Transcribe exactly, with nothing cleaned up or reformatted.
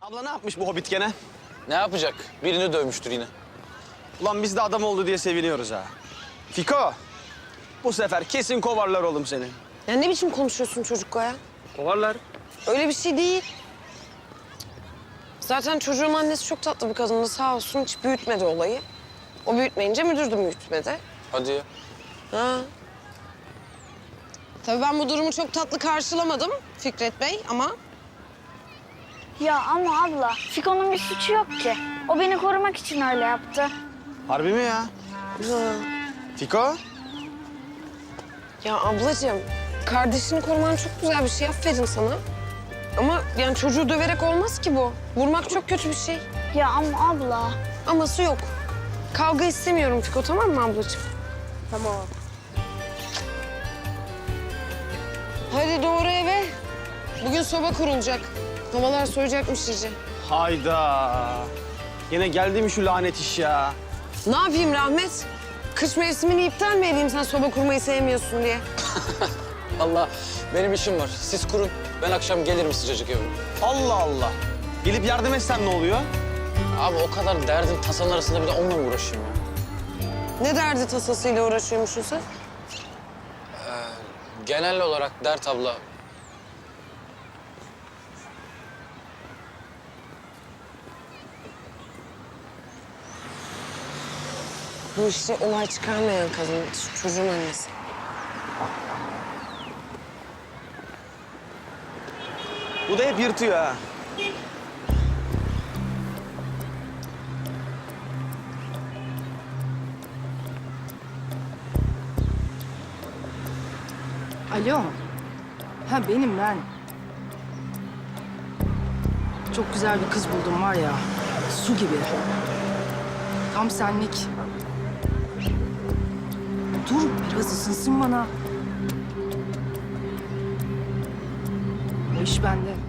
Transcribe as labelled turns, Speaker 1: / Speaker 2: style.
Speaker 1: Abla ne yapmış bu hobbit gene?
Speaker 2: Ne yapacak? Birini dövmüştür yine.
Speaker 1: Ulan biz de adam oldu diye seviniyoruz ha. Fiko, bu sefer kesin kovarlar oğlum seni.
Speaker 3: Ya ne biçim konuşuyorsun çocukla ya?
Speaker 1: Kovarlar.
Speaker 3: Öyle bir şey değil. Zaten çocuğun annesi çok tatlı bir kadındı sağ olsun, hiç büyütmedi olayı. O büyütmeyince müdür de büyütmedi.
Speaker 2: Hadi ya.
Speaker 3: Ha. Tabii ben bu durumu çok tatlı karşılamadım Fikret Bey ama...
Speaker 4: Ya ama abla, Fiko'nun bir suçu yok ki. O beni korumak için öyle yaptı.
Speaker 1: Harbi mi ya?
Speaker 3: Ha.
Speaker 1: Fiko?
Speaker 3: Ya ablacığım, kardeşini koruman çok güzel bir şey, aferin sana. Ama yani çocuğu döverek olmaz ki bu. Vurmak çok kötü bir şey.
Speaker 4: Ya ama abla.
Speaker 3: Aması yok. Kavga istemiyorum Fiko, tamam mı ablacığım? Tamam. Hadi doğru eve. Bugün soba kurulacak. Havalar soğuyacakmış iyice.
Speaker 1: Hayda. Yine geldi mi şu lanet iş ya?
Speaker 3: Ne yapayım Rahmet? Kış mevsimini iptal mi edeyim sen soba kurmayı sevmiyorsun diye?
Speaker 2: Allah, benim işim var. Siz kurun. Ben akşam gelirim sıcacık evime.
Speaker 1: Allah Allah. Gelip yardım etsem ne oluyor?
Speaker 2: Abi o kadar derdin tasanın arasında bir de onunla mı uğraşayım ya?
Speaker 3: Ne derdi tasasıyla uğraşıyormuşsun sen?
Speaker 2: Genel olarak dert abla.
Speaker 3: Bu işte olay çıkarmayan kadın, şu çocuğun annesi.
Speaker 1: Bu da hep yırtıyor ha.
Speaker 5: Alo. Ha benim ben. Çok güzel bir kız buldum var ya. Su gibi. Tam senlik. Dur biraz ısınsın bana. O iş bende.